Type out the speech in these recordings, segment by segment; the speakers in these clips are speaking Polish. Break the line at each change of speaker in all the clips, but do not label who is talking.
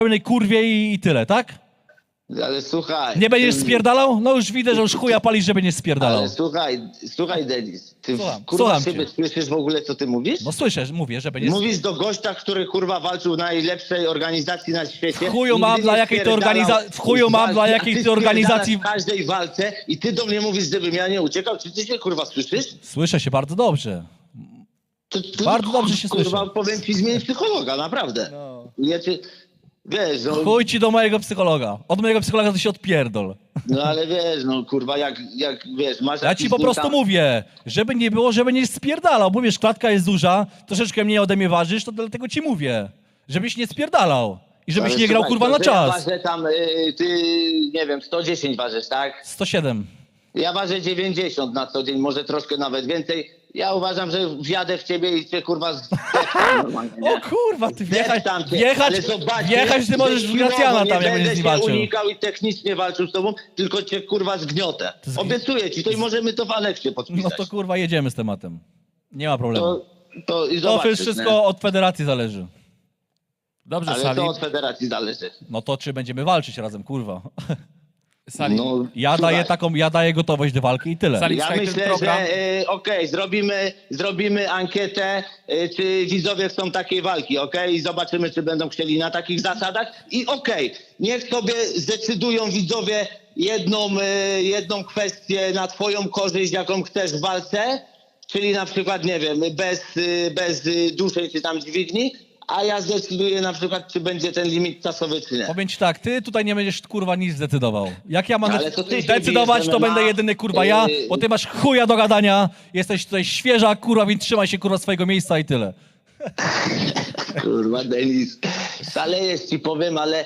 pełnej kurwie i tyle, tak?
Ale słuchaj...
Nie będziesz spierdalał? No już widzę, że już chuja palisz, że będziesz spierdalał.
Ale słuchaj Denis, ty
Słucham,
kurwa
słucham
siebie
cię.
słyszysz w ogóle, co ty mówisz?
No słyszę, mówię, że będziesz...
Mówisz do gościa, który kurwa walczył w najlepszej organizacji na świecie.
W chuju mam,
Nigdy
dla
nie
jakiej ty
spierdalał
w chuju mam,
walki,
dla
a
jakiej
ty
ty organizacji...
spierdalasz w każdej walce i ty do mnie mówisz, żebym ja nie uciekał. Czy ty się kurwa słyszysz?
Słyszę się bardzo dobrze.
To,
Bardzo dobrze się
kurwa,
słyszę.
powiem ci, zmień psychologa, naprawdę.
No.
Ja cię, wiesz, no,
Chuj ci do mojego psychologa. Od mojego psychologa to się odpierdol.
no ale wiesz, no kurwa, jak wiesz, masz
Ja
jakiś
ci po prostu
kurwa-
mówię, żeby nie było, żeby nie spierdalał. Bo wiesz, klatka jest duża, troszeczkę mniej ode mnie ważysz, to dlatego ci mówię. Żebyś nie spierdalał. I żebyś
Ale
nie grał
słuchaj,
kurwa
to,
na
że Ja
czas.
ważę tam, ty, nie wiem, 110 ważysz, tak?
107.
Ja ważę 90 na co dzień, może troszkę nawet więcej. Ja uważam, że wjadę w ciebie i cię kurwa normalnie, nie?
O kurwa, ty wjechać,
Tam cię,
wjechać,
ale zobaczysz,
wjechać ty
że
możesz w
siłowo
Gracjana tam, jak
będę
będziesz z nim
cię
walczył.
unikał i technicznie walczył z tobą, tylko cię kurwa zgniotę. Obiecuję ci to i możemy to w aneksie
No
podpisać.
to kurwa jedziemy z tematem. Nie ma problemu.
to i
To
zobaczysz,
wszystko
nie?
od federacji zależy.
Dobrze,
Ale
Salim.
to od federacji zależy.
No to czy będziemy walczyć razem, kurwa.
Salim.
No,
Ja daję gotowość do walki i tyle.
Salim,
Ja
słuchaj, ten
myślę,
program-
że okej, zrobimy ankietę, czy widzowie chcą takiej walki, okej? I zobaczymy, czy będą chcieli na takich zasadach. I niech sobie zdecydują widzowie jedną kwestię na twoją korzyść, jaką chcesz w walce, czyli na przykład, nie wiem, bez duszej czy tam dźwigni, a ja zdecyduję na przykład, czy będzie ten limit czasowy, czy nie.
Powiem ci tak, ty tutaj nie będziesz kurwa nic zdecydował. Jak ja mam
Ale to ty się
decydować,
bijesz,
to
MMA.
będę jedyny kurwa ja, bo ty masz chuja do gadania, jesteś tutaj świeża kurwa, więc trzymaj się kurwa swojego miejsca i tyle.
Kurwa, Denis, szalejesz ci powiem, ale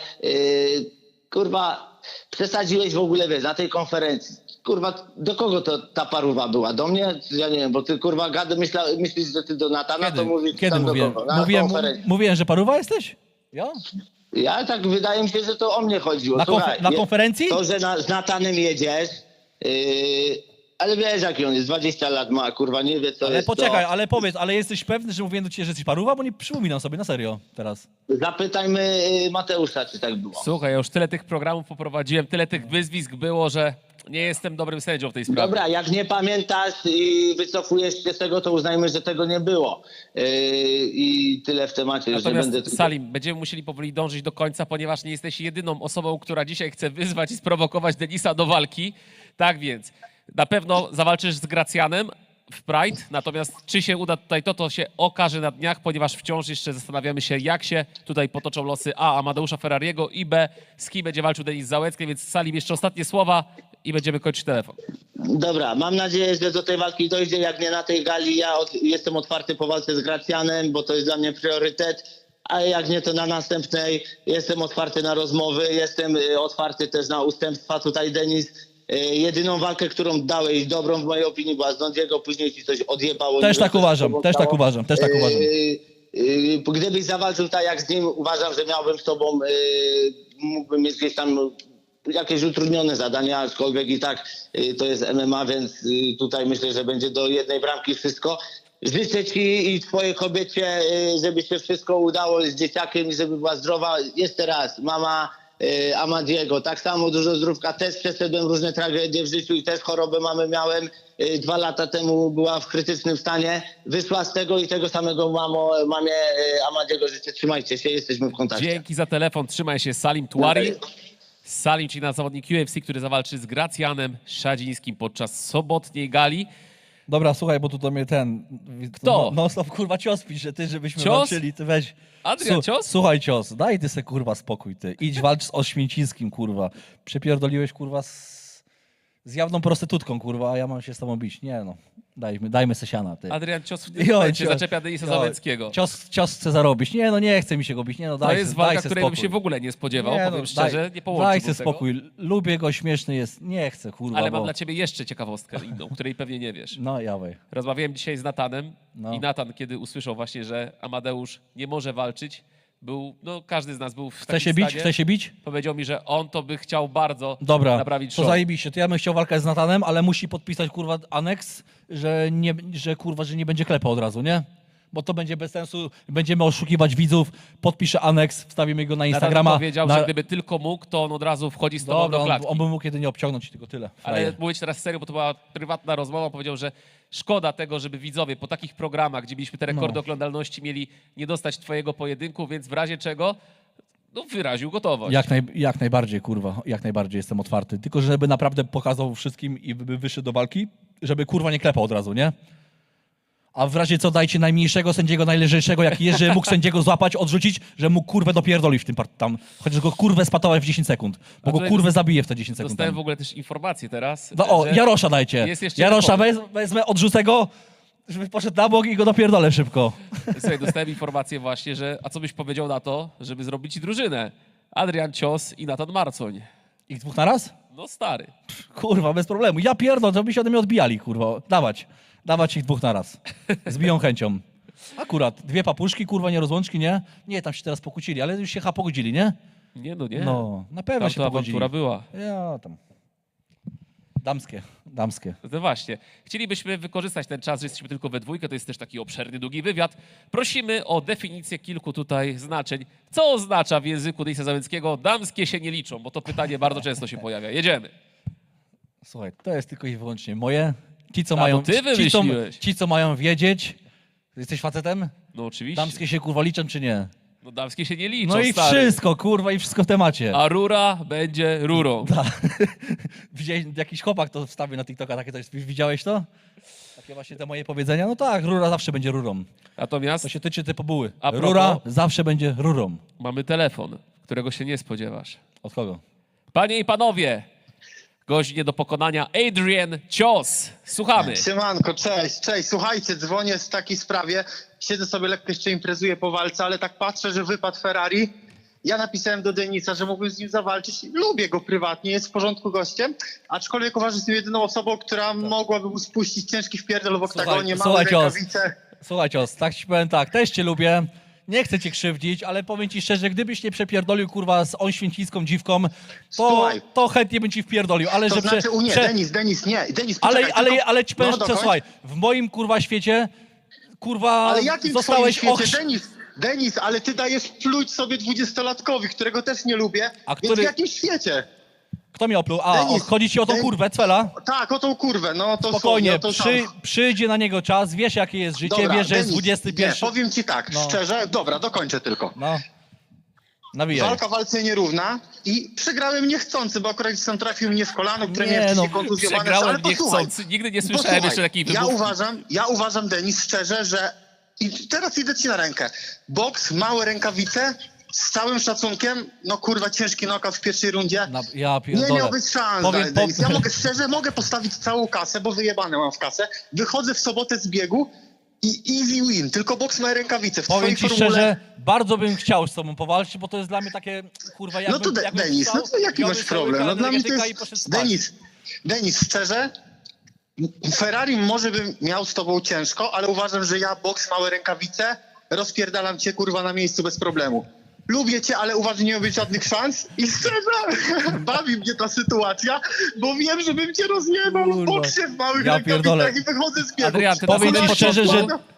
kurwa, przesadziłeś w ogóle, wiesz, na tej konferencji. Kurwa, do kogo to ta paruwa była? Do mnie? Ja nie wiem, bo ty kurwa myślisz, że ty do Natana, to mówisz
Kiedy
tam
mówiłem?
do kogo? Na konferencji.
Mówiłem, że paruwa jesteś? Ja?
Ja tak wydaje mi się, że to o mnie chodziło. Słuchaj,
Na konferencji?
To, że z Natanem jedziesz, ale wiesz jaki on jest, 20 lat ma, kurwa, nie wie co
Ale
jest
poczekaj,
to.
ale powiedz, ale jesteś pewny, że mówiłem do ciebie, że jesteś paruwa? Bo nie przypominam sobie, na serio, teraz.
Zapytajmy Mateusza, czy tak było.
Słuchaj, ja już tyle tych programów poprowadziłem, tyle tych wyzwisk było, że nie jestem dobrym sędzią w tej sprawie.
Dobra, jak nie pamiętasz i wycofujesz się z tego, to uznajmy, że tego nie było. I tyle w temacie. Już nie
Natomiast
będę...
Salim, będziemy musieli powoli dążyć do końca, ponieważ nie jesteś jedyną osobą, która dzisiaj chce wyzwać i sprowokować Denisa do walki. Tak więc, na pewno zawalczysz z Gracjanem w Pride, natomiast czy się uda tutaj to się okaże na dniach, ponieważ wciąż jeszcze zastanawiamy się, jak się tutaj potoczą losy A. Amadeusza Ferrariego i B. z kim będzie walczył Denis Załęcki, więc Salim, jeszcze ostatnie słowa i będziemy kończyć telefon.
Dobra, mam nadzieję, że do tej walki dojdzie. Jak nie na tej gali, ja jestem otwarty po walce z Gracjanem, bo to jest dla mnie priorytet. A jak nie, to na następnej jestem otwarty na rozmowy, jestem otwarty też na ustępstwa. Tutaj Denis, jedyną walkę, którą dałeś dobrą w mojej opinii była z Nondiego, później ci coś odjebało.
Też
Nie wiem,
tak
co się
uważam,
z tobą
też tak
stało.
uważam, też tak uważam.
Gdybyś zawalczył tak jak z nim, uważam, że miałbym z tobą, mógłbym mieć gdzieś tam jakieś utrudnione zadania, aczkolwiek i tak to jest MMA, więc tutaj myślę, że będzie do jednej bramki wszystko. Życzę ci i twojej kobiecie, żeby się wszystko udało z dzieciakiem i żeby była zdrowa. Jeszcze raz, mama Amadiego, tak samo dużo zdrówka, też przeszedłem różne tragedie w życiu i też chorobę mamy miałem. 2 lata temu była w krytycznym stanie, wyszła z tego i tego samego mamie Amadiego życzę. Trzymajcie się, jesteśmy w kontakcie.
Dzięki za telefon, trzymaj się, Salim Tuari. Salim, czyli zawodnik UFC, który zawalczy z Gracjanem Szadzińskim podczas sobotniej gali.
Dobra, słuchaj, bo tu do mnie
Kto?
No stop, kurwa, cios pisze, ty, żebyśmy
Cios?
walczyli, ty weź.
Adrian, cios?
Słuchaj, cios, daj ty se, kurwa, spokój, ty. Idź walcz z Oświęcińskim, kurwa. Przepierdoliłeś, kurwa, z jawną prostytutką, kurwa, a ja mam się z tobą bić. Nie no, dajmy se siana, ty.
Adrian, cios w tym
Jo,
momencie
cios.
zaczepia Denisa
Jo,
Załęckiego.
Cios chce zarobić. Nie no, nie chce mi się go bić. Nie no,
To
daj
jest
se,
walka,
daj se
której bym
spokój.
się w ogóle nie spodziewał,
Nie,
powiem
no,
szczerze, nie
Daj
połączyłbym
se
tego.
spokój. Lubię go, śmieszny jest. Nie chcę, kurwa,
Ale mam
bo...
dla ciebie jeszcze ciekawostkę inną, której pewnie nie wiesz.
No, jawaj.
Rozmawiałem dzisiaj z Natanem
No.
i Natan, kiedy usłyszał właśnie, że Amadeusz nie może walczyć, każdy z nas był w takim stanie.
Chce się bić?
Powiedział mi, że on to by chciał bardzo
Dobra,
naprawić
to
show.
zajebiście. To ja bym chciał walkę z Natanem, ale musi podpisać, kurwa, aneks, że nie będzie klepał od razu, nie? Bo to będzie bez sensu, będziemy oszukiwać widzów, podpiszę aneks, wstawimy go na
Natan
Instagrama.
powiedział, że gdyby tylko mógł, to on od razu wchodzi z tobą
Dobra,
do klatki.
on by mógł jedynie obciągnąć, tylko tyle.
Ale
Frajer.
mówię ci teraz serio, bo to była prywatna rozmowa. Powiedział, że szkoda tego, żeby widzowie po takich programach, gdzie mieliśmy te rekordy
No.
oglądalności, mieli nie dostać twojego pojedynku, więc w razie czego no, wyraził gotowość.
Jak najbardziej, kurwa, jak najbardziej jestem otwarty. Tylko żeby naprawdę pokazał wszystkim i by wyszedł do walki, żeby kurwa nie klepał od razu, nie? A w razie co dajcie najmniejszego sędziego, najlżejszego, jak jest, że mógł sędziego złapać, odrzucić, że mógł kurwę dopierdolić w tym tam. Chociaż go kurwę spatować w 10 sekund. Bo go
tutaj
kurwę zabije w te 10 sekund.
Dostałem
Tam.
w ogóle też informację teraz.
No o,
że
Jarosza dajcie.
jest jeszcze
Jarosza
rekord.
wezmę, odrzucę go, żeby poszedł na bok i go dopierdolę szybko.
Słuchaj, dostałem informację właśnie, że a co byś powiedział na to, żeby zrobić ci drużynę? Adrian Cios i Natan Marcoń.
Ich dwóch na raz?
No stary.
Kurwa, bez problemu. Ja pierdolę, to by się ode mnie odbijali, kurwa. Dawać ich dwóch na raz. Z biją chęcią. Akurat, dwie papuszki, kurwa, nie rozłączki, nie? Nie, tam się teraz pokłócili, ale już się pogodzili, nie?
Nie, no nie.
No, na pewno
Tam
się
to
pogodzili.
awantura była.
Ja tam. Damskie.
No właśnie. Chcielibyśmy wykorzystać ten czas, że jesteśmy tylko we dwójkę, to jest też taki obszerny, długi wywiad. Prosimy o definicję kilku tutaj znaczeń. Co oznacza w języku Denisa Załęckiego damskie się nie liczą? Bo to pytanie bardzo często się pojawia. Jedziemy.
Słuchaj, to jest tylko i wyłącznie moje. Ci, co
A,
mają,
to ty wymyśliłeś.
ci, co mają wiedzieć. Jesteś facetem?
No oczywiście.
Damskie się kurwa liczą, czy nie?
No damskie się nie liczą,
No i
stary.
wszystko, kurwa, i wszystko w temacie.
A rura będzie rurą.
Widziałeś, jakiś chłopak to wstawił na TikToka, takie coś, widziałeś to? Takie właśnie te moje powiedzenia. No tak, rura zawsze będzie rurą.
Natomiast
To się tyczy tej pobuły.
A propos-
Rura zawsze będzie rurą.
mamy telefon, którego się nie spodziewasz.
Od kogo?
Panie i panowie, gość nie do pokonania Adrian Cios. Słuchamy.
Siemanko, cześć. Słuchajcie, dzwonię w takiej sprawie. Siedzę sobie lekko jeszcze imprezuję po walce, ale tak patrzę, że wypadł Ferrari. Ja napisałem do Denisa, że mógłbym z nim zawalczyć. Lubię go prywatnie, jest w porządku gościem. Aczkolwiek uważam, że jestem jedyną osobą, która mogłaby mu spuścić ciężki wpierdol w oktagonie, małe
słuchaj, Cios.
rękawice.
Słuchaj, Cios, tak ci powiem tak, też cię lubię. Nie chcę cię krzywdzić, ale powiem ci szczerze, gdybyś nie przepierdolił, kurwa, z oświęcicką dziwką,
Słuchaj.
to chętnie bym ci wpierdolił, ale
To
że
znaczy, nie, Denis, nie. Denis, poczekaj,
ale ci powiem,
no,
że
dokończ.
słuchaj, w moim, kurwa, świecie, kurwa,
Ale jakim
zostałeś
twoim świecie, Denis, ale ty dajesz pluć sobie 20-latkowi, którego też nie lubię,
A
więc
który-
w jakim świecie?
Kto mi opluł? A,
Denis,
chodzi ci o tą
Denis-
kurwę, Cwela?
Tak, o tą kurwę, no to
Spokojnie,
no to
przyjdzie na niego czas, wiesz jakie jest życie,
Dobra,
wiesz, że jest
Denis,
21.
Nie, powiem ci tak,
No.
szczerze, dobra, dokończę tylko.
No, nawijaj.
Walka walce nierówna i przegrałem niechcący, bo akurat sam trafił mnie w kolano, które
Nie,
miałem wcześniej
no,
kontuzjowane.
Przegrałem
Ale posłuchaj,
niechcący. Nigdy nie słyszałem
posłuchaj,
jeszcze takiej
ja
wymówki.
uważam, Denis, szczerze, że i teraz idę ci na rękę. Boks, małe rękawice, z całym szacunkiem, no kurwa, ciężki knockout w pierwszej rundzie.
Ja
Nie
pierdolę.
miałbyś szans,
Powiem-
Denis. Ja mogę postawić całą kasę, bo wyjebane mam w kasę. Wychodzę w sobotę z biegu i easy win. Tylko boks ma rękawice. W
Powiem
twojej
ci
formule...
szczerze, bardzo bym chciał z tobą powalczyć, bo to jest dla mnie takie, kurwa, jakbym...
No to
jakbym
Denis,
wstał,
no to jaki
wziął
masz
cały
problem? No dla mnie to
energetyka i poszedł
jest...
spać.
Denis, szczerze, Ferrari może bym miał z tobą ciężko, ale uważam, że ja boks, małe rękawice, rozpierdalam cię kurwa na miejscu bez problemu. Lubię cię, ale uważam, że nie ma być żadnych szans i szczerze, bawi mnie ta sytuacja, bo wiem, że bym cię rozjebał w
Kurwa.
boksie w małych
Ja pierdolę.
rękawicach i wychodzę z biegu.
Adrian, ty na
Powiem
samym
ci szczerze, że
początku